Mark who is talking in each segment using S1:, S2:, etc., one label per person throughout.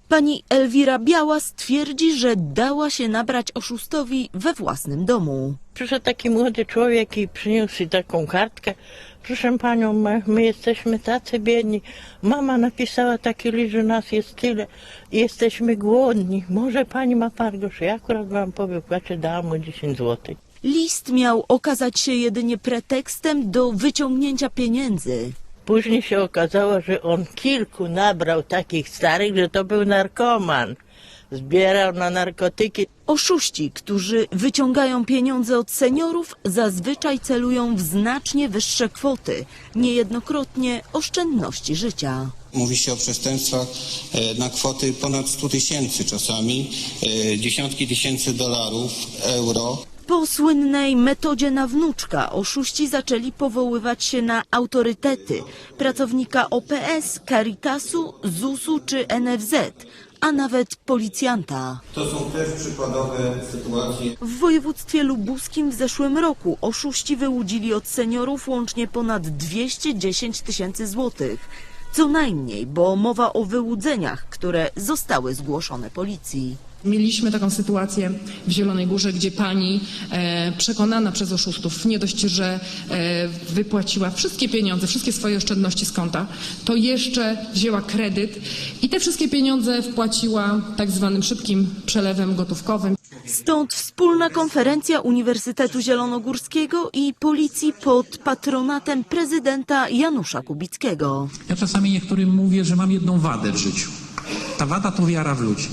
S1: Pani Elwira Białas twierdzi, że dała się nabrać oszustowi we własnym domu.
S2: Przyszedł taki młody człowiek i przyniósł taką kartkę. Proszę panią, my jesteśmy tacy biedni. Mama napisała taki list, że nas jest tyle. Jesteśmy głodni. Może pani ma parę groszy. Ja akurat wam po wypłacie dałam mu 10 zł.
S1: List miał okazać się jedynie pretekstem do wyciągnięcia pieniędzy.
S2: Później się okazało, że on kilku nabrał takich starych, że to był narkoman. Zbierał na narkotyki.
S1: Oszuści, którzy wyciągają pieniądze od seniorów, zazwyczaj celują w znacznie wyższe kwoty, niejednokrotnie oszczędności życia.
S3: Mówi się o przestępstwach na kwoty ponad 100 tysięcy czasami, dziesiątki tysięcy dolarów, euro.
S1: Po słynnej metodzie na wnuczka oszuści zaczęli powoływać się na autorytety, pracownika OPS, Caritasu, ZUS-u czy NFZ, a nawet policjanta.
S3: To są też przykładowe sytuacje.
S1: W województwie lubuskim w zeszłym roku oszuści wyłudzili od seniorów łącznie ponad 210 tysięcy złotych. Co najmniej, bo mowa o wyłudzeniach, które zostały zgłoszone policji.
S4: Mieliśmy taką sytuację w Zielonej Górze, gdzie pani przekonana przez oszustów nie dość, że wypłaciła wszystkie pieniądze, wszystkie swoje oszczędności z konta, to jeszcze wzięła kredyt i te wszystkie pieniądze wpłaciła tak zwanym szybkim przelewem gotówkowym.
S1: Stąd wspólna konferencja Uniwersytetu Zielonogórskiego i policji pod patronatem prezydenta Janusza Kubickiego.
S5: Ja czasami niektórym mówię, że mam jedną wadę w życiu. Ta wada to wiara w ludzi.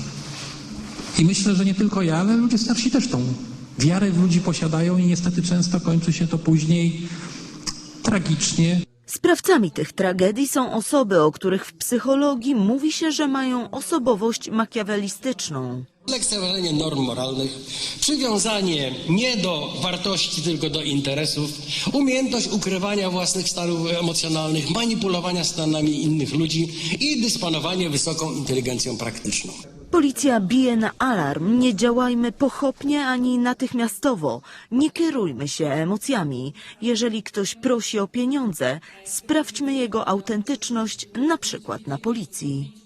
S5: I myślę, że nie tylko ja, ale ludzie starsi też tą wiarę w ludzi posiadają i niestety często kończy się to później tragicznie.
S1: Sprawcami tych tragedii są osoby, o których w psychologii mówi się, że mają osobowość makiawelistyczną.
S6: Lekceważenie norm moralnych, przywiązanie nie do wartości, tylko do interesów, umiejętność ukrywania własnych stanów emocjonalnych, manipulowania stanami innych ludzi i dysponowanie wysoką inteligencją praktyczną.
S1: Policja bije na alarm, nie działajmy pochopnie ani natychmiastowo, nie kierujmy się emocjami. Jeżeli ktoś prosi o pieniądze, sprawdźmy jego autentyczność, na przykład na policji.